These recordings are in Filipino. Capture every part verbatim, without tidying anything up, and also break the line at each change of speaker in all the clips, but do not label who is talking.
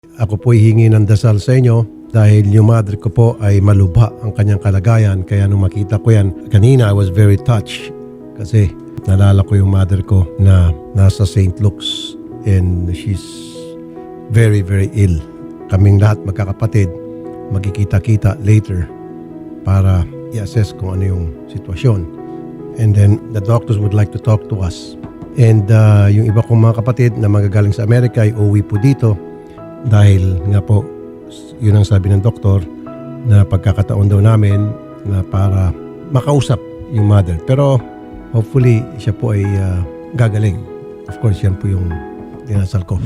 Ako po hihingi ng dasal sa inyo dahil yung mother ko po ay malubha ang kanyang kalagayan. Kaya nung makita ko yan, kanina I was very touched kasi nalala ko yung mother ko na nasa Saint Luke's and she's very very ill. Kaming lahat magkakapatid magkikita-kita later para i-assess kung ano yung sitwasyon. And then the doctors would like to talk to us. And uh, yung iba kong mga kapatid na magagaling sa Amerika ay uuwi po dito dahil nga po yun ang sabi ng doktor na pagkakataon daw namin na para makausap yung mother. Pero hopefully siya po ay uh, gagaling. Of course yan po yung dinasal ko.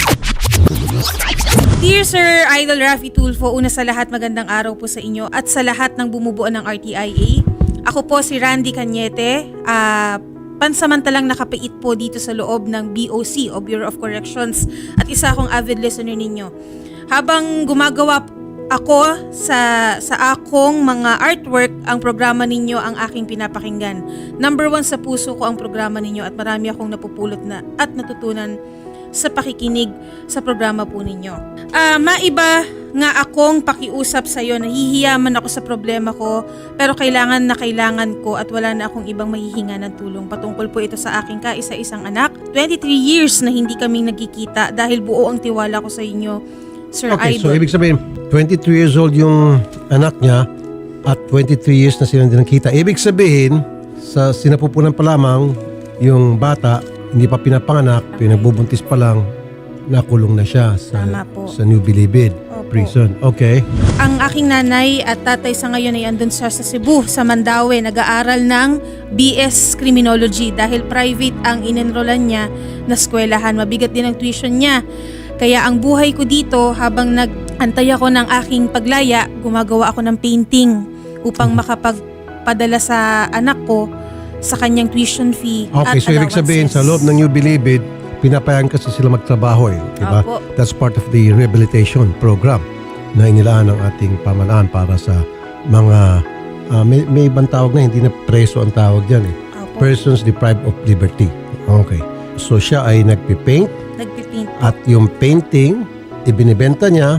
Dear Sir Idol Raffy Tulfo, una sa lahat magandang araw po sa inyo at sa lahat ng bumubuo ng R T I A. Ako po si Randy Cañete, uh, pansamantalang nakapait po dito sa loob ng B O C o Bureau of Corrections at isa akong avid listener ninyo. Habang gumagawa ako sa sa akong mga artwork, ang programa ninyo ang aking pinapakinggan. Number one sa puso ko ang programa ninyo at marami akong napupulot na at natutunan sa pakikinig sa programa po ninyo. Uh, maiba nga akong pakiusap sa iyo, nahihiya man ako sa problema ko, pero kailangan na kailangan ko at wala na akong ibang mahihinga ng tulong. Patungkol po ito sa aking kaisa-isang anak. twenty-three years na hindi kaming nagkikita dahil buo ang tiwala ko sa inyo, Sir
Okay,
Idol.
so ibig sabihin, twenty-three years old yung anak niya at twenty-three years na sila hindi nakita. Ibig sabihin, sa sinapupunan pa lamang, yung bata, hindi pa pinapanganak, pinagbubuntis pa lang, nakulong na siya sa,
Tama po.
sa New Bilibid
Opo.
prison. Okay.
Ang aking nanay at tatay sa ngayon ay andun siya sa Cebu, sa Mandaue, nag-aaral ng B S Criminology dahil private ang inenrollan niya na eskwelahan. Mabigat din ang tuition niya. Kaya ang buhay ko dito, habang nag-antay ako ng aking paglaya, gumagawa ako ng painting upang makapagpadala sa anak ko sa kanyang tuition fee
Okay,
at
so ibig sabihin, sa
allowances.
loob ng New Bilibid, pinapayagan kasi sila magtrabaho eh. Diba?
Opo.
That's part of the rehabilitation program na inilaan ng ating pamalaan para sa mga, ah, may, may ibang tawag na, hindi na preso ang tawag dyan eh.
Opo.
Persons deprived of liberty. Okay. So siya ay nagpipaint
Nagpipaint po.
at yung painting, ibinibenta niya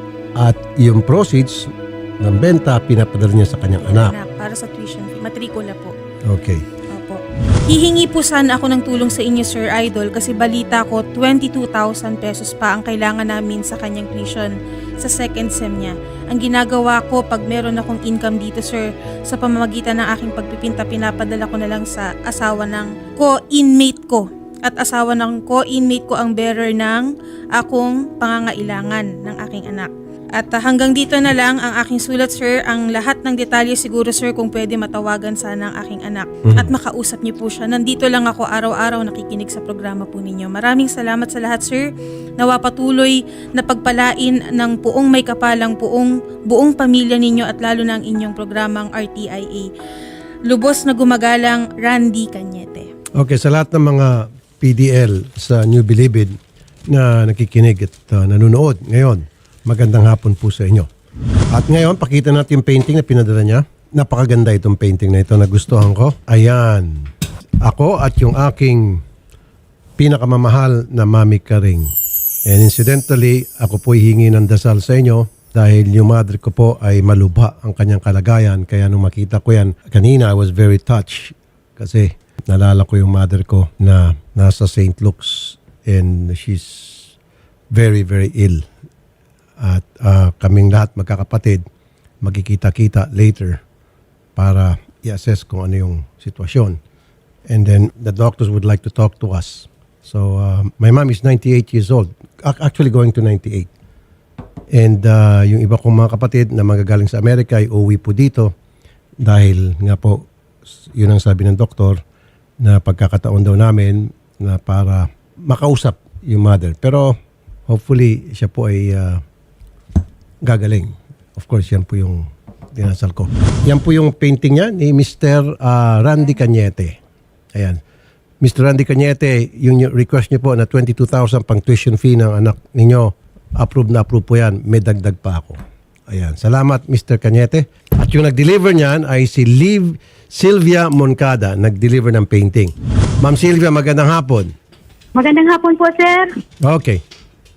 at yung proceeds ng benta, pinapadala niya sa kanyang anak.
Anak, para sa tuition fee. Matrikula po.
Okay.
Opo. Hihingi po sana ako ng tulong sa inyo, Sir Idol, kasi balita ko twenty-two thousand pesos pa ang kailangan namin sa kanyang tuition sa second sem niya. Ang ginagawa ko pag meron akong income dito, Sir, sa pamamagitan ng aking pagpipinta, pinapadala ko na lang sa asawa ng co-inmate ko. At asawa ng co-inmate ko ang bearer ng akong pangangailangan ng aking anak. At uh, hanggang dito na lang ang aking sulat, Sir. Ang lahat ng detalye siguro, Sir, kung pwede matawagan sana ang aking anak.
Mhm.
At makausap niyo po siya. Nandito lang ako araw-araw nakikinig sa programa po ninyo. Maraming salamat sa lahat, Sir. Nawa patuloy na pagpalain ng puong may kapalang puong buong pamilya ninyo at lalo na ang inyong programang R T I A. Lubos na gumagalang, Randy Cañete.
Okay, sa lahat ng mga P D L sa New Bilibid na nakikinig at uh, nanonood ngayon, magandang hapon po sa inyo. At ngayon, pakita natin yung painting na pinadala niya. Napakaganda itong painting na ito, nagustuhan ko. Ayan. Ako at yung aking pinakamamahal na Mami Karing. And incidentally, ako po hihingi ng dasal sa inyo dahil yung mother ko po ay malubha ang kanyang kalagayan. Kaya nung makita ko yan, kanina I was very touched kasi nalala ko yung mother ko na nasa Saint Luke's and she's very very ill. At uh, kaming lahat magkakapatid magkikita-kita later para i-assess kung ano yung sitwasyon. And then the doctors would like to talk to us. So uh, my mom is ninety-eight years old, actually going to ninety-eight. And uh, yung iba kong mga kapatid na magagaling sa Amerika ay uuwi po dito dahil nga po yun ang sabi ng doktor na pagkakataon daw namin na para makausap yung mother. Pero hopefully siya po ay uh, gagaling. Of course, yan po yung dinasal ko. Yan po yung painting niya ni Mister Uh, Randy Cañete. Ayan. Mister Randy Cañete, yung request niyo po na twenty-two thousand pang tuition fee ng anak ninyo, approve na approve po yan. May dagdag pa ako. Ayan. Salamat, Mister Cañete. At yung nag-deliver niyan ay si Liv Sylvia Moncada, nag-deliver ng painting. Ma'am Sylvia, magandang hapon.
Magandang hapon po, sir.
Okay.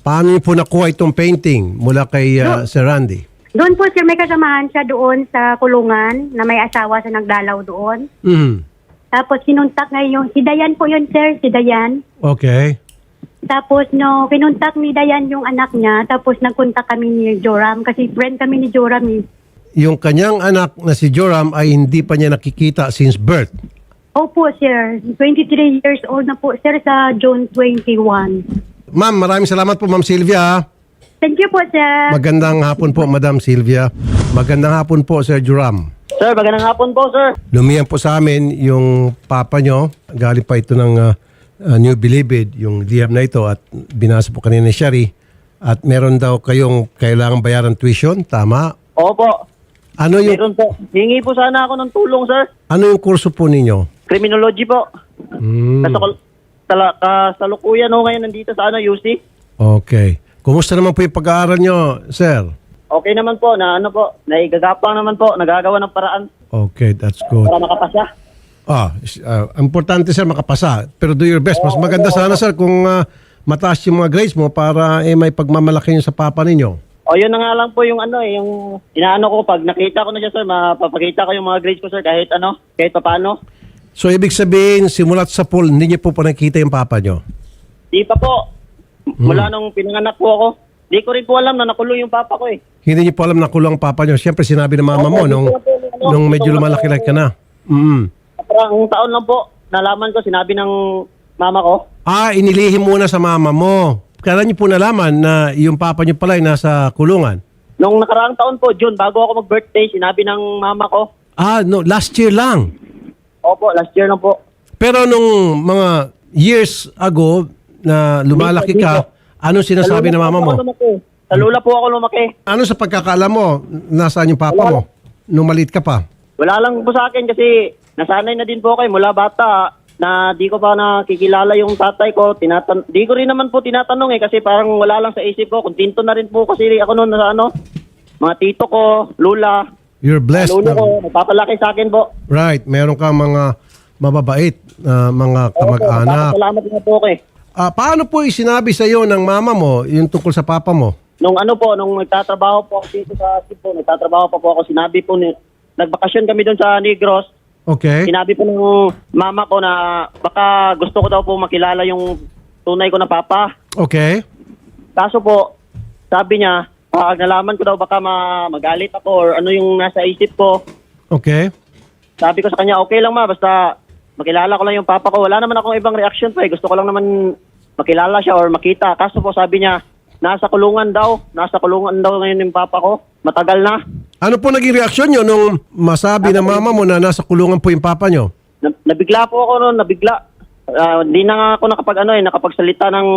Paano niyo po nakuha itong painting mula kay uh, Sir Randy?
Doon po sir, may kasamahan siya doon sa kulungan na may asawa sa nagdalaw doon.
Mhm.
Tapos kinuntak ngayon, si Dayan po yun sir, si Dayan.
Okay.
Tapos no, kinuntak ni Dayan yung anak niya, tapos nagkontak kami ni Joram kasi friend kami ni Joram eh.
Yung kanyang anak na si Joram ay hindi pa niya nakikita since birth.
Opo sir, twenty-three years old na po sir sa June twenty-one.
Ma'am, maraming salamat po, Ma'am Sylvia.
Thank you po sir.
Magandang hapon po, Madam Sylvia. Magandang hapon po, Sir Joram.
Sir, magandang hapon po, sir.
Lumiyan po sa amin yung papa nyo. Galing pa ito ng uh, uh, New Bilibid, yung liham na ito, at binasa po kanina ni Shari. At meron daw kayong kailangang bayaran tuition, tama?
Opo.
Ano yung,
Meron po. Hingi po sana ako ng tulong, sir.
ano yung kurso po ninyo?
Criminology po.
Hmm,
Kasukul- tala- kasalukuyan ho ngayon nandito sa ano, U C.
okay. Kumusta naman po yung pag-aaral nyo, sir?
Okay naman po, na ano po, naigagapang naman po, nagagawa ng paraan
Okay, that's good.
para makapasa.
Ah, is- ah, importante sir makapasa. Pero do your best. Mas maganda sana sir kung ah, mataas yung mga grades mo para eh, may pagmamalaki nyo sa papa ninyo.
O yun na nga lang po yung ano eh, yung inaano ko, pag nakita ko na siya, sir, mapapakita ko yung mga grades ko, sir, kahit ano, kahit paano.
So ibig sabihin, simulat sa pool, hindi niyo po pa nakita yung papa nyo?
Di pa po. Mula nung pinanganak po ako, di ko rin po alam na nakulong yung papa ko eh.
Hindi niyo po alam na kulang ang papa nyo. Siyempre sinabi ng mama mo nung, nung medyo lumalaki-laki ka na. Mm.
Parang taon lang po, nalaman ko, sinabi ng mama ko.
Ah, inilihim muna sa mama mo. Kailan niyo po nalaman na yung papa niyo pala ay nasa kulungan?
Nung nakaraang taon po, June, bago ako mag-birthday, sinabi ng mama ko.
Ah, no, last year lang.
Opo, last year lang po.
Pero nung mga years ago na lumalaki ka, ano sinasabi ng mama mo?
Sa lula po ako lumaki. Sa lula po ako lumaki.
Ano sa pagkakaalam mo, nasaan yung papa mo? Nung maliit ka pa?
Wala lang po sa akin kasi nasanay na din po kayo mula bata na di ko pa nakikilala yung tatay ko. Tinatan di ko rin naman po tinatanong eh kasi parang wala lang sa isip ko. Kuntinto na rin po kasi ako noon sa ano, mga tito ko, lula,
You're blessed.
lolo
na-
ko, nagpapalaki sa akin po.
Right, meron kang mga mababait na mga kamag-anak.
Salamat na po ko eh.
Ah, paano po isinabi sa iyo ng mama mo yung tungkol sa papa mo?
Nung ano po, nung nagtatrabaho po ako dito sa Cebu, nagtatrabaho pa po ako, sinabi po, ni, nagbakasyon kami doon sa Negros,
Okay?
sinabi po ng mama ko na baka gusto ko daw po makilala yung tunay ko na papa.
Okay?
Kaso po, sabi niya, pag nalaman ko daw baka ma- magalit ako or ano yung nasa isip ko,
Okay?
sabi ko sa kanya, okay lang ma, basta makilala ko lang yung papa ko. Wala naman akong ibang reaction pa eh. Gusto ko lang naman makilala siya or makita. Kaso po sabi niya, nasa kulungan daw. Nasa kulungan daw ngayon yung papa ko. Matagal na.
Ano po naging reaksyon nyo nung masabi ng mama mo na nasa kulungan po yung papa nyo?
Na- nabigla po ako noon, nabigla. Ah, Hindi na nga ako nakapag ano eh, nakapagsalita ng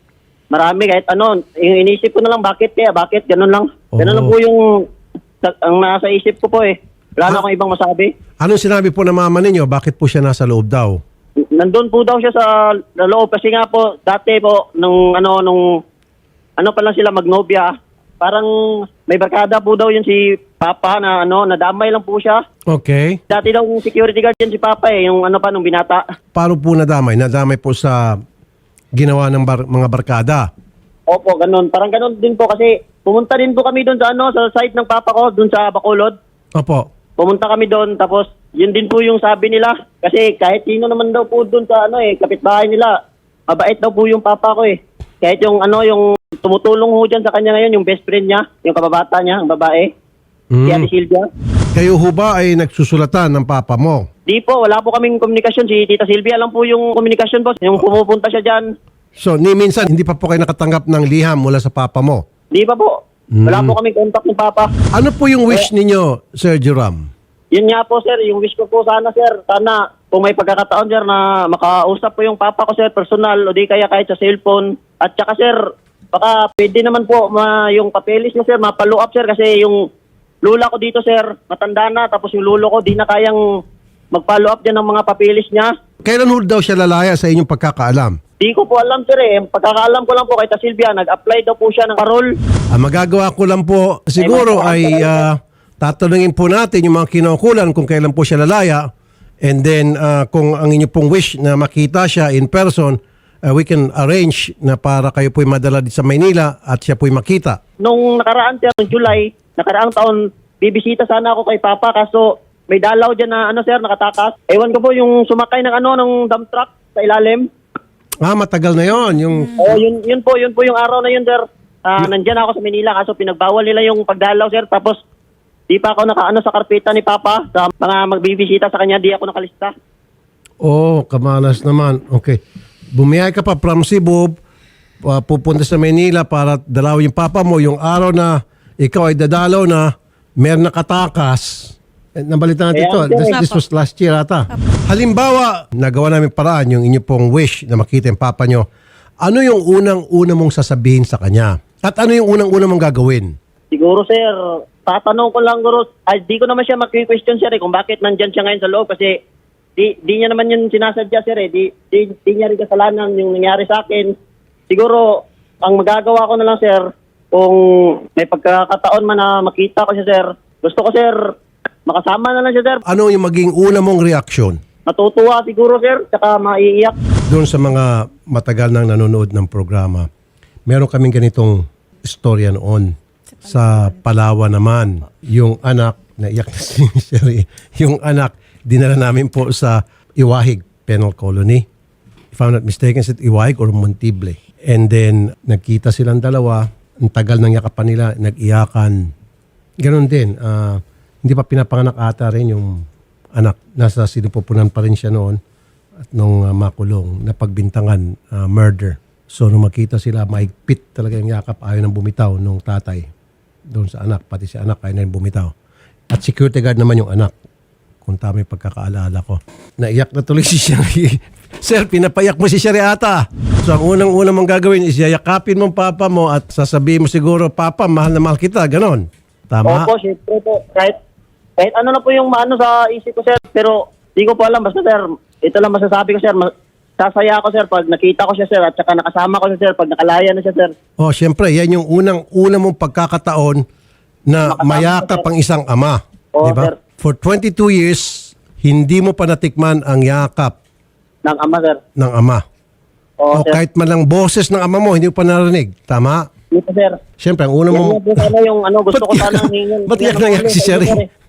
marami kahit ano. Yung inisip ko na lang, bakit kaya, bakit, ganun lang. Ganun
Oo.
lang po yung sa- ang nasa isip ko po eh. Wala na
Ah.
akong ibang masabi.
Anong sinabi po ng mama ninyo? Bakit po siya nasa loob daw?
Nandun po daw siya sa sa loob kasi nga po, dati po, nung ano, nung ano pa lang sila magnobya, parang may barkada po daw yun si Papa na ano, nadamay lang po siya.
Okay.
Dati daw yung security guard yan si Papa eh, yung ano pa, nung binata.
Paano po nadamay? Nadamay po sa ginawa ng bar- mga barkada.
Opo, ganun. Parang ganun din po kasi pumunta din po kami doon sa ano, sa site ng Papa ko, doon sa Bacolod.
Opo.
Pumunta kami doon, tapos yun din po yung sabi nila. Kasi kahit sino naman daw po doon sa ano eh, kapitbahay nila, mabait daw po yung Papa ko eh. Kahit yung ano, yung tumutulong ho dyan sa kanya ngayon, yung best friend niya, yung kababata niya, ang babae, si
Mm.
Ate Silvia.
Kayo ho ba ay nagsusulatan ng papa mo?
Di po, wala po kaming komunikasyon. Si Tita Silvia lang po yung komunikasyon po. Yung pumupunta siya dyan,
So, ni minsan, hindi pa po kayo nakatanggap ng liham mula sa papa mo.
di pa po. Wala po kaming contact ni Papa.
Ano po yung wish ninyo, Sir Joram?
Yun nga po, sir. Yung wish ko po sana, sir. Sana kung may pagkakataon, sir, na makausap po yung Papa ko, sir, personal, o di kaya kahit sa cellphone. At saka, sir, baka pwede naman po ma, yung papelis niya, sir, mapalo up, sir, kasi yung lula ko dito, sir, matanda na, tapos yung lulo ko, di na kayang mag-follow up dyan ng mga papelis niya.
Kailan ho daw siya lalaya sa inyong pagkakaalam?
Di ko po alam, sir, eh. Pagkakaalam ko lang po kay Ta Silvia, nag-apply daw po siya ng parol.
Ang magagawa ko lang po siguro ay ah, tatanungin po natin yung mga kinaukulan kung kailan po siya lalaya, and then ah, kung ang inyo pong wish na makita siya in person, uh, we can arrange na para kayo po'y madala dito sa Maynila at siya po'y makita.
Nung nakaraan, sir, noong July, nakaraang taon, bibisita sana ako kay Papa kaso may dalaw dyan na ano, sir, nakatakas. Ewan ko po yung sumakay ng ano, ng dump truck sa ilalim.
Ah, matagal na yon yung
Oo, yun, yun po, yun po yung araw na yun, sir. Ah, nandyan ako sa Manila kaso pinagbawal nila yung pagdalaw, sir. Tapos, di pa ako nakaano sa karpeta ni Papa. Sa mga magbibisita sa kanya, di ako nakalista.
Oh, kamalas naman. Okay. Bumiyay ka pa from Cebu, uh, pupunta sa Manila para dalawin yung papa mo. Yung araw na ikaw ay dadalaw na, meron nakatakas. Eh, nabalita natin ito.
Ayan,
This,
sir.
this was last year ata. Halimbawa, nagawa namin paraan yung inyo pong wish na makita yung papa nyo. Ano yung unang-una mong sasabihin sa kanya? At ano yung unang-una mong gagawin?
Siguro, sir, tatanong ko lang, guro, ay, di ko naman siya mag-question, sir, eh, kung bakit nandyan siya ngayon sa loob. Kasi, di, di niya naman yun sinasadya, sir, eh. Di, di, di niya rin kasalanan yung nangyari sa akin. Siguro, ang magagawa ko na lang, sir, kung may pagkakataon man na makita ko siya, sir, gusto ko, sir, makasama na lang siya, sir.
Ano yung maging una mong reaksyon?
Matutuwa siguro, sir, tsaka maiiyak.
Doon sa mga matagal nang nanonood ng programa, meron kaming ganitong istorya noon. Sa Palawan naman, yung anak, naiyak na si Sherry, yung anak, dinala namin po sa Iwahig Penal Colony. If I'm not mistaken, sa Iwahig or Montible. And then, nagkita silang dalawa, ang tagal ng yakapan nila, nag-iyakan. Ganon din, ah, hindi pa pinapanganak ata rin yung anak. Nasa sinupupunan pa rin siya noon at nung uh, makulong, napagbintangan, uh, murder. So nung makita sila, mahigpit talaga yung yakap, ayaw nang bumitaw nung tatay doon sa anak, pati si anak ayaw nang bumitaw. At security guard naman yung anak, kung tama yung pagkakaalala ko. Naiyak na tuloy si Sherry. Sir, pinapayak mo si Sherry ata. So ang unang-unang mong gagawin is yayakapin mong papa mo at sasabihin mo siguro, Papa, mahal na mahal kita, ganon. Tama?
Opo, syempre po. Kahit, kahit ano na po yung maano sa isip ko, sir. Pero di ko po alam. Basta, sir, ito lang masasabi ko, sir. Ma- Sasaya ako, sir, pag nakita ko siya, sir. At saka nakasama ko siya, sir. Pag nakalaya na siya, sir.
Oh, syempre, yan yung unang-una mong pagkakataon na
Makasama
mayakap
ko, sir.
ang isang ama.
Oo,
Di ba?
sir.
For twenty-two years, hindi mo pa natikman ang yakap
Ng ama, sir.
ng ama.
Oo,
O
sir.
kahit man lang boses ng ama mo, hindi mo pa narinig. Tama?
Dito, sir.
Siyempre, ang una
Yan
mong...
nga po sana yung ano, gusto ko
Ba't
sana
yan-
hingin.
ba't yan nangyari si Sherry?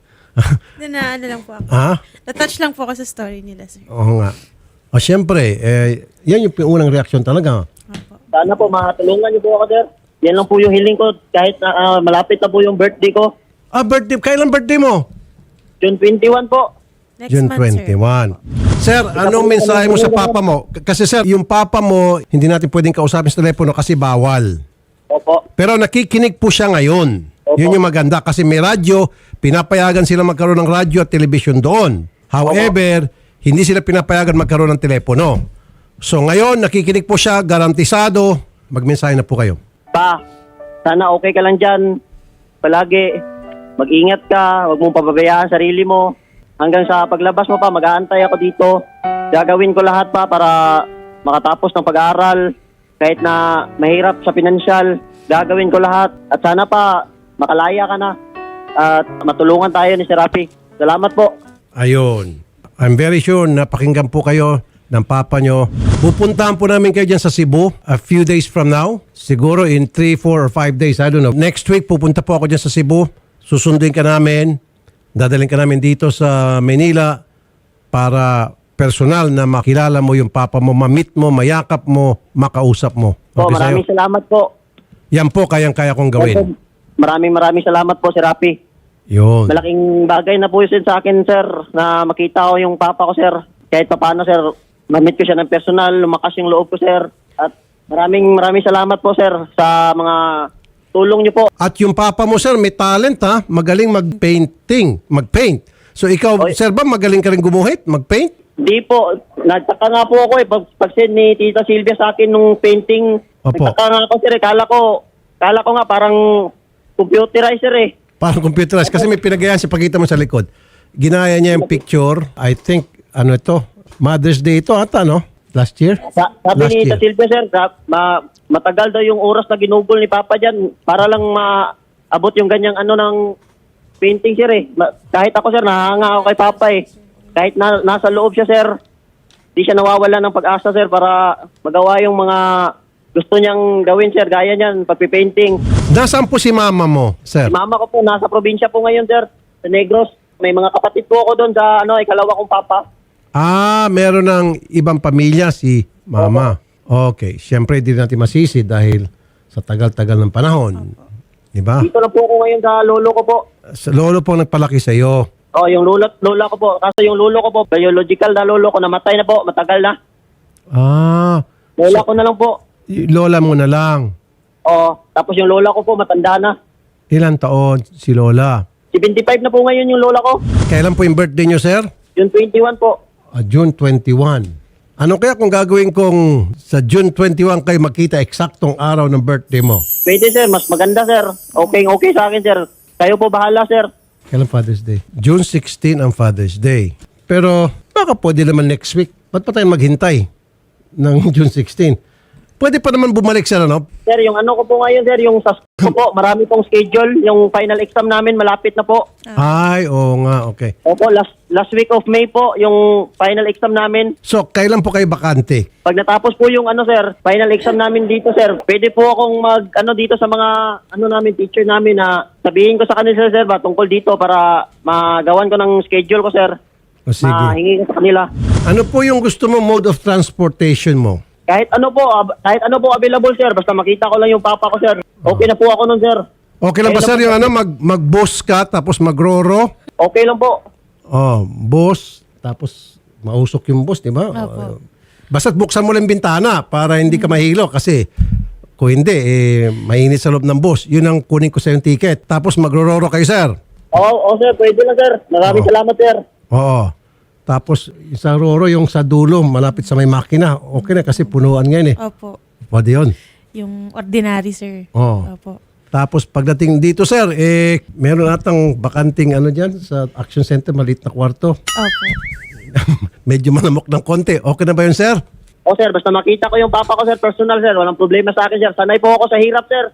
Na, na ano lang po ako.
Ha?
Na-touch lang po ako sa story nila, sir.
Oo nga. O siyempre, eh, yan yung unang reaksyon talaga.
Opo.
Sana po, makatulungan niyo po ako, sir. Yan lang po yung hiling ko. Kahit na, ah, malapit na po yung birthday ko.
Ah, birthday. Kailan birthday mo?
June twenty-one po.
Next
June
month, sir.
twenty-one. Sir, anong mensahe mo sa papa mo? K- Kasi sir, yung papa mo, hindi natin pwedeng kausapin sa telepono kasi bawal.
Opo.
Pero nakikinig po siya ngayon.
Opo.
Yun yung maganda kasi may radyo, pinapayagan sila magkaroon ng radyo at television doon. However, hindi sila pinapayagan magkaroon ng telepono. So ngayon, nakikinig po siya, garantisado, magmensahe na po kayo.
Pa, sana okay ka lang dyan. Palagi, mag-ingat ka. Huwag mong pababayaan sarili mo. Hanggang sa paglabas mo pa, mag-aantay ako dito. Gagawin ko lahat pa para makatapos ng pag-aaral. Kahit na mahirap sa pinansyal, gagawin ko lahat. At sana pa, makalaya ka na. At matulungan tayo ni Sir Rafi. Salamat po.
Ayun. I'm very sure na pakinggan po kayo ng papa nyo. Pupuntahan po namin kayo dyan sa Cebu a few days from now. Siguro in three, four, or five days. I don't know. Next week, pupunta po ako dyan sa Cebu. Susunduin ka namin. Dadalhin ka namin dito sa Manila para personal na makilala mo yung papa mo, ma-meet mo, mayakap mo, makausap mo.
Po,
Okay
maraming
sa'yo?
salamat po.
Yan po kayang-kaya kong gawin.
Maraming maraming salamat po, Sir Rafi.
Yun.
Malaking bagay na po yun sa akin, sir, na makita ko yung papa ko, sir. Kahit pa paano, sir, ma-meet ko siya ng personal, lumakas yung loob ko, sir. At maraming maraming salamat po, sir, sa mga tulong niyo po.
At yung papa mo, sir, may talent ha. Magaling mag-painting, mag-paint. So ikaw,
Oy.
sir ba, magaling ka rin gumuhit, mag-paint?
Di po, nagtaka nga po ako eh, pag, pag-send ni Tita Silvia sa akin nung painting,
Opo.
nagtaka nga ako, sir, eh, kala ko, kala ko nga parang computerizer eh.
Parang computerized. Kasi may pinagayan siya, pakita mo sa likod. Ginaya niya yung picture. I think, ano ito, Mother's Day ito ata, no? Last year?
Sa, sabi
Last
ni Tita
year.
Silvia, sir, sa, ma, matagal daw yung oras na ginugol ni Papa dyan para lang maabot yung ganyang ano ng painting, sir eh. Ma, kahit ako, sir, nahanga ako kay Papa eh. Kahit na, nasa loob siya, sir, di siya nawawala ng pag-asa, sir, para magawa yung mga gusto niyang gawin, sir. Gaya niyan, pagpipainting.
Nasaan po si mama mo, sir?
Mama ko po, nasa probinsya po ngayon, sir, sa Negros. May mga kapatid po ako doon sa ano, ikalawa kong papa.
Ah, meron ng ibang pamilya si mama. Okay. Siyempre, di natin masisi dahil sa tagal-tagal ng panahon. Di ba?
Dito na po ako ngayon sa lolo ko po.
Sa lolo po nagpalaki sa iyo.
Oh, yung lola, lola ko po. Kaso yung lolo ko po, biological na lolo ko, namatay na po, matagal na.
Ah,
Lola ko na lang po.
y- lola mo na lang.
Oh, tapos yung lola ko po, matanda na.
Ilan taon si lola?
seventy-five na po ngayon yung lola ko.
Kailan po yung birthday niyo, sir?
Yung twenty-one po.
Ah, June twenty-one. Ano kaya kung gagawin kong sa June twenty-one kayo makita eksaktong araw ng birthday mo?
Pwede, sir. Mas maganda, sir. Okay, okay sa akin, sir. Kayo po bahala, sir.
Kailan Father's Day? June sixteen ang Father's Day. Pero baka pwede naman next week. Ba't pa tayo maghintay ng June sixteen? Pwede pa naman bumalik sa ano?
Sir, yung ano ko po ngayon, sir, yung sa school ko po, marami pong schedule. Yung final exam namin, malapit na po.
Ay, oo nga, okay.
Opo, last last week of May po, yung final exam namin.
So, kailan po kayo bakante?
Pag natapos po yung ano, sir, final exam namin dito, sir, pwede po akong mag, ano, dito sa mga, ano namin, teacher namin na sabihin ko sa kanila, sir, ba, tungkol dito para magawan ko ng schedule ko, sir.
O sige.
Mahingi ko sa kanila.
Ano po yung gusto mo mode of transportation mo?
Kahit ano po, ab- kahit ano po available, sir, basta makita ko lang yung papa ko, sir. Okay na po ako nun, sir.
Okay lang ba, sir, yung ano, mag, mag-bus ka tapos mag-roro?
Okay lang po.
Oh, bus, tapos mausok yung bus, di ba?
Opo.
Basta't buksan mo lang yung bintana para hindi ka mahilo kasi kung hindi, eh, mainit sa loob ng bus. Yun ang kunin ko sa yung ticket. Tapos magro-roro kayo, sir.
Oo, oh, sir, pwede na, sir. Maraming
Oo.
salamat, sir.
Oo. Tapos yung sa roro, yung sa dulo, malapit sa may makina. Okay na kasi punuan ngayon eh.
Opo.
Pwede yun.
Yung ordinary, sir.
Oo.
Opo.
Tapos pagdating dito, sir, eh, meron atang bakanting ano dyan sa Action Center, maliit na kwarto.
Opo.
Medyo malamok ng konti. Okay na ba yun, sir?
O, sir, basta makita ko yung papa ko, sir, personal, sir. Walang problema sa akin, sir. Sanay po ako sa hirap, sir.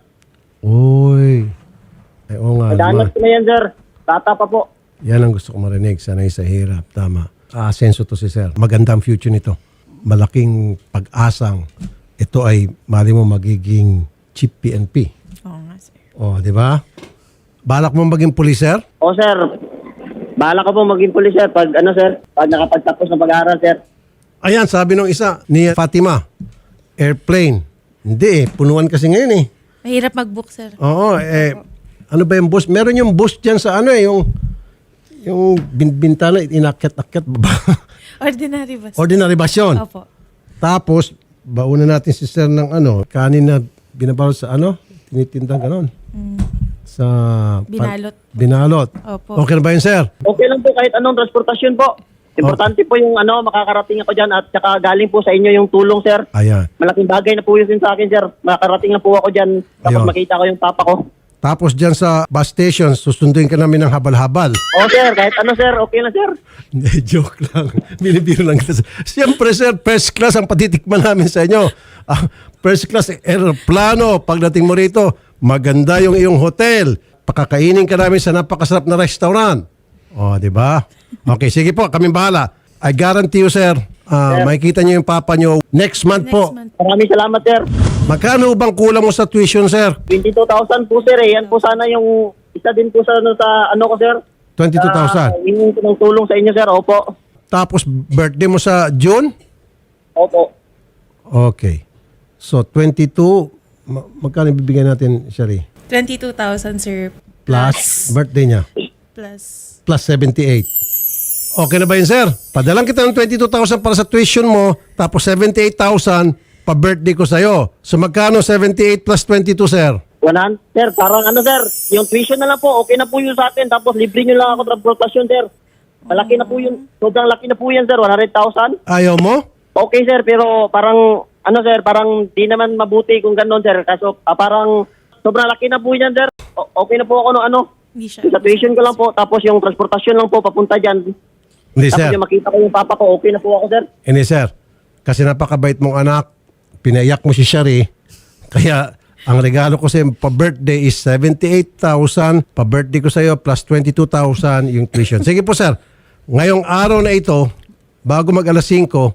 Uy. Ay, oo nga.
Madanas
naman.
ko na yan, sir. Tata pa po.
Yan ang gusto ko marinig. Sanay sa hirap. Tama. Aasenso to si sir. Maganda ang future nito. Malaking pag-asang ito ay mali mo magiging chief P N P.
Oo nga, sir.
O, di ba? Balak mo maging pulis, sir?
O, sir, bahala ka po maging pulis, sir. Pag, ano, sir, pag nakapagtapos ng pag-aaral, sir.
Ayan, sabi nung isa ni Fatima, airplane. Hindi eh, punuan kasi ngayon eh.
Mahirap mag-book, sir.
Oo, eh, ano ba yung bus? Meron yung bus dyan sa ano eh, yung, yung bin- bintana, inakyat-akyat baba.
Ordinary ba, sir?
Ordinary bus yun.
Opo.
Tapos, bauna natin si sir ng ano, kanin na binabalot sa ano, tinitindang ganon. Sa pa-
Binalot.
binalot.
Opo.
Okay na ba yun, sir?
Okay lang po kahit anong transportasyon po. Importante po yung ano, makakarating ako dyan at saka galing po sa inyo yung tulong, sir.
Ayan.
Malaking bagay na po yun sa akin, sir. Makakarating na po ako dyan. Tapos
Ayun.
makita ko yung papa ko.
Tapos dyan sa bus station, susunduin ka namin ng habal-habal.
O, sir, kahit ano, sir. Okay na, sir.
Hindi, joke lang. Binibiro lang kita. Siyempre, sir, first class ang patitikman namin sa inyo. Ah, first class aeroplano. Pagdating mo rito, maganda yung iyong hotel. Pakakainin ka namin sa napakasarap na restaurant. O, di ba? Okay, sige po, kami bahala. I guarantee you, sir, ah, makikita niyo yung papa niyo next month
Next
po.
month.
Maraming salamat, sir.
Magkano bang kulang mo sa tuition, sir?
twenty-two thousand po, sir. Eh. Yan po sana yung isa din po sa ano, sa, ano ko, sir.
twenty-two thousand.
Uh, hingin ko ng tulong sa inyo, sir. Opo.
Tapos birthday mo sa June?
Opo.
Okay. So, twenty-two, ma- magkano bibigyan natin, Shari?
twenty-two thousand, sir.
Plus, birthday niya.
Plus.
Plus seventy-eight. Okay na ba yun, sir? Padalang kita ng twenty-two thousand para sa tuition mo, tapos seventy-eight thousand pa-birthday ko sa'yo. So, magkano seventy-eight plus twenty-two, sir?
one hundred, sir, parang ano, sir, yung tuition na lang po, okay na po yun sa atin. Tapos libre nyo lang ako transportasyon, sir. Malaki na po yun. Sobrang laki na po yan, sir. one hundred thousand.
Ayaw mo?
Okay, sir, pero parang, ano, sir, parang di naman mabuti kung gano'n, sir. Kaso, ah, parang sobrang laki na po yan, sir. O- okay na po ako, no, ano.
Hindi siya.
Sa tuition ko lang po, tapos yung transportasyon lang po, papunta dyan.
Hindi,
Tapos
sir.
yung makita ko yung papa ko, okay na po ako, sir.
Hindi, sir. Kasi napakabait mong anak. Pinaiyak mo si Shari. Kaya, ang regalo ko sa pa-birthday is seventy-eight thousand. Pa-birthday ko sa iyo plus twenty-two thousand yung tuition. Sige po, sir. Ngayong araw na ito, bago mag alas singko,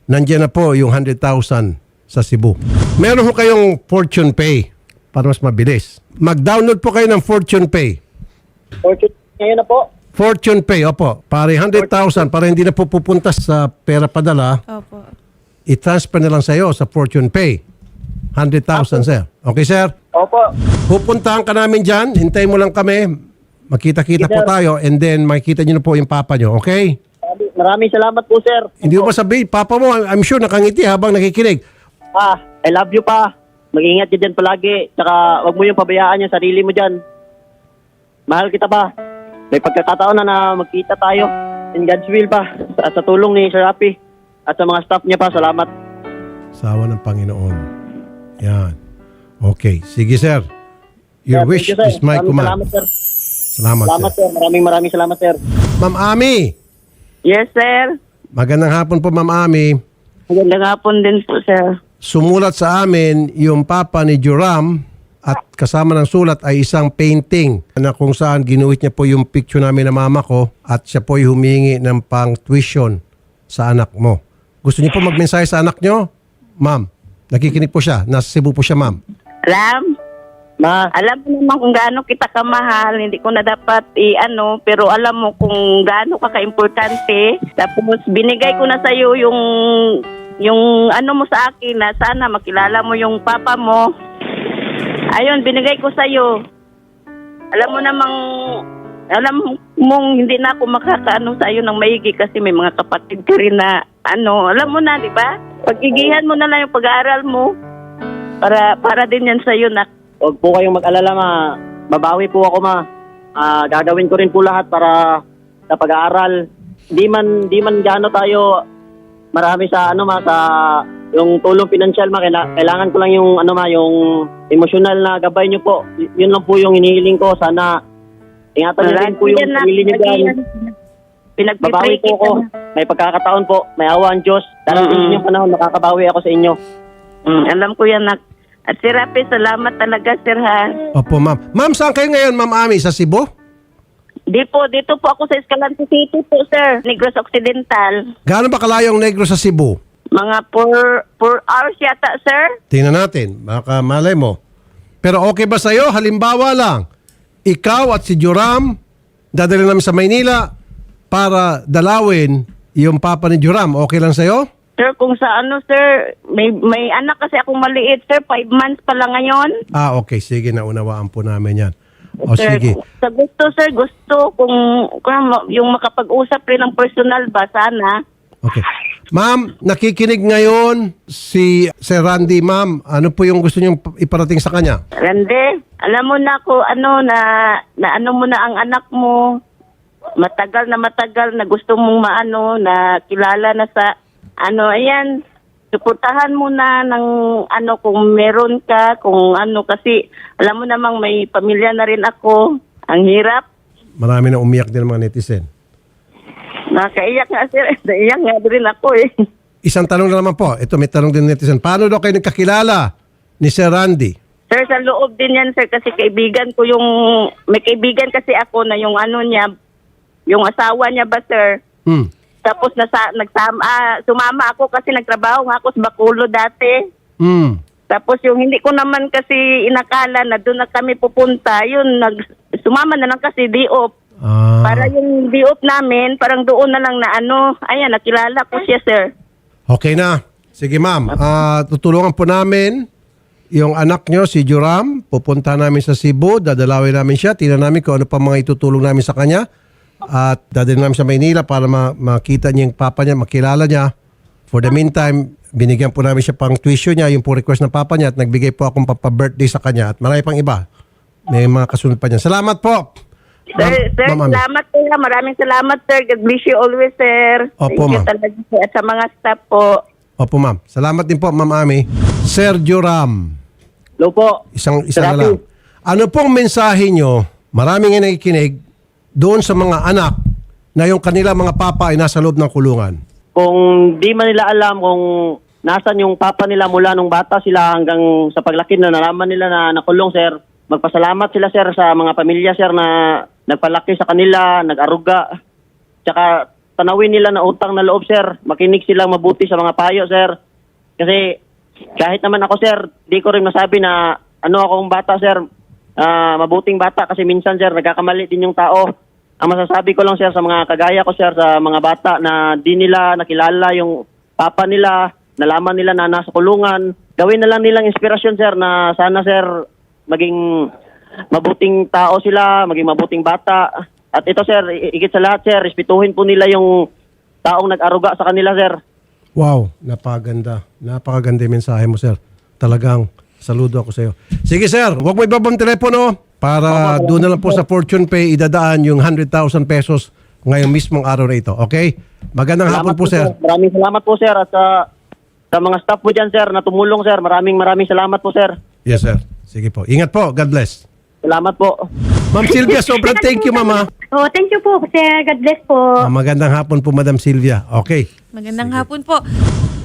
nandiyan na po yung one hundred thousand sa Cebu. Meron ho kayong Fortune Pay para mas mabilis. Mag-download po kayo ng Fortune Pay.
Fortune, ngayon na po.
Fortune Pay, opo. Para one hundred thousand, para hindi na po pupunta sa pera padala,
Opo.
i-transfer na lang sa iyo sa Fortune Pay. one hundred thousand, sir. Okay, sir?
Opo.
Pupuntahan ka namin dyan. Hintayin mo lang kami. Makita-kita po
Sir.
tayo and then makikita nyo na po yung papa nyo. Okay?
Maraming salamat po, sir.
Hindi mo masabihin, papa mo, I'm sure nakangiti habang nakikinig.
Pa, I love you pa. Mag-ingat ka dyan palagi. Tsaka wag mo yung pabayaan yung sarili mo dyan. Mahal kita pa. May pagkakataon na na magkita tayo. In God's will pa. At sa tulong ni Sir Rafi. At sa mga staff niya pa, salamat.
Sawa ng Panginoon. Yan. Okay. Sige, sir. Your
Sir,
wish
thank you, sir.
is my
Maraming
command.
Salamat, sir.
Salamat,
Salamat,
sir.
sir. Maraming maraming salamat, sir.
Ma'am Ami.
Yes, sir.
Magandang hapon po, Ma'am Ami.
Magandang hapon din po, sir.
Sumulat sa amin yung papa ni Joram at kasama ng sulat ay isang painting na kung saan ginuhit niya po yung picture namin ng mama ko at siya po ay humingi ng pang tuition sa anak mo. Gusto niyo po magmensahe sa anak niyo? Ma'am, nakikinig po siya. Nasa Cebu po siya, ma'am.
Ram,
Ma,
alam mo naman kung gaano kita kamahal. Hindi ko na dapat i-ano, pero alam mo kung gaano ka ka-importante. Tapos binigay ko na sa iyo yung yung ano mo sa akin na sana makilala mo yung papa mo. Ayun, binigay ko sa iyo. Alam mo namang alam mong hindi na ako makakaano sa iyo ng maigi kasi may mga kapatid ka rin na ano, alam mo na, di ba? Pagigihan mo na lang yung pag-aaral mo para para din yan sa iyo na.
huwag po kayong mag-alala, ma. Babawi po ako, ma. Ah, gagawin ko rin po lahat para sa pag-aaral. Di man, di man gaano tayo marami sa ano, ma, sa yung tulong pinansyal, ma. Kaila- Kailangan ko lang yung ano, ma, yung emosyonal na gabay niyo po. Y- yun lang po yung hinihiling ko. Sana ingatan niyo rin po yung
Yan na,
sarili niyo dyan.
yan.
Babawi
Pinagpipray
po ako. May pagkakataon po. May awa ang Diyos. Darating
Mm-mm.
yung panahon, makakabawi ako sa inyo.
Mm, alam ko yan, nak. At si Rapi, salamat talaga, sir, ha?
Opo, ma'am. Ma'am, saan kayo ngayon, Ma'am Ami? Sa Cebu?
Di po, dito po ako sa Escalante City po, sir. Negros Occidental.
Gaano ba kalayo ang Negros sa Cebu?
Mga four, four hours yata, sir.
Tingnan natin. Baka malay mo. Pero okay ba sa'yo? Halimbawa lang, ikaw at si Joram, dadalhin namin sa Maynila para dalawin yung papa ni Joram. Okay lang sa'yo?
Sir, kung sa ano, sir, may, may anak kasi akong maliit, sir. Five months pa lang ngayon.
Ah, okay. Sige, naunawaan po namin yan. O
Sir,
sige.
sa gusto, sir, gusto kung, kung yung makapag-usap rin ng personal ba, sana.
Okay. Ma'am, nakikinig ngayon si Sir Randy. Ma'am, ano po yung gusto niyong iparating sa kanya?
Rande, alam mo na ko ano na na ano mo na ang anak mo. Matagal na matagal na gusto mong maano na kilala na sa ano, ayan. Suportahan mo na ng ano kung meron ka, kung ano kasi alam mo namang may pamilya na rin ako. Ang hirap.
Marami na umiyak din ng mga netizen.
Nakaiyak nga sir. Naiyak nga rin ako eh.
Isang tanong na naman po. Ito, may tanong din ng netizen. Paano daw kayo nagkakilala ni Sir Randy?
Sir, sa loob din yan sir kasi kaibigan ko yung, may kaibigan kasi ako na yung ano niya, yung asawa niya ba sir?
Hmm.
Tapos nasa, nagsama, ah, sumama ako kasi nagtrabaho nga ako sa Bacolod dati.
Hmm.
Tapos yung hindi ko naman kasi inakala na doon na kami pupunta, yun, nag, sumama na lang kasi D-O P.
Ah.
Para yung D-O P namin, parang doon na lang na ano, ayan, nakilala ko siya sir.
Okay na. Sige ma'am, Ah, tutulungan po namin yung anak nyo, si Joram. Pupunta namin sa Cebu, dadalawin namin siya. Tingnan namin kung ano pa mga itutulong namin sa kanya. At dadalhin namin sa Maynila para ma- makita niya yung papa niya, makilala niya. For the meantime, binigyan po namin siya pang tuition niya, yung po request ng papa niya at nagbigay po akong papa-birthday sa kanya at marami pang iba. May mga kasunod pa niya. Salamat po!
Sir,
Ma'am-
sir,
Ma'am Ami.
salamat po. Maraming salamat sir. God bless you always sir.
Opo,
Thank you
ma'am.
talaga sir. At sa mga staff po.
Opo ma'am. Salamat din po ma'am Ami. Sir Joram.
Hello po.
Isang isa
Sir
na lang.
Rafi.
Ano pong mensahe nyo, maraming nga nakikinig, doon sa mga anak na yung kanila mga papa ay nasa loob ng kulungan?
Kung di man nila alam kung nasan yung papa nila mula nung bata sila hanggang sa paglaki na nalaman nila na nakulong, sir, magpasalamat sila, sir, sa mga pamilya, sir, na nagpalaki sa kanila, nag-aruga. Tsaka tanawin nila na utang na loob, sir. Makinig silang mabuti sa mga payo, sir. Kasi kahit naman ako, sir, di ko rin masabi na ano akong bata, sir. Ah, mabuting bata kasi minsan, sir, nagkakamali din yung tao. Ang masasabi ko lang, sir, sa mga kagaya ko, sir, sa mga bata na di nila nakilala yung papa nila, nalaman nila na nasa kulungan, gawin na lang nilang inspirasyon, sir, na sana, sir, maging mabuting tao sila, maging mabuting bata. At ito, sir, higit sa lahat, sir, respetuhin po nila yung taong nag-aruga sa kanila, sir.
Wow, napakaganda. Napakaganda yung mensahe mo, sir. Talagang saludo ako sa iyo. Sige, sir, huwag mo ibabang telepono para doon na lang po sa Fortune Pay idadaan yung one hundred thousand pesos ngayong mismong araw na ito. Okay? Magandang hapon po, sir.
Maraming salamat po, sir. At sa, sa mga staff po dyan, sir, na tumulong, sir. Maraming maraming salamat po, sir.
Yes, sir. Sige po. Ingat po. God bless.
Salamat po.
Ma'am Sylvia, sobrang thank you, mama.
Oh, thank you po, sir. God bless po.
Ah, magandang hapon po, Madam Sylvia. Okay.
Magandang hapon po.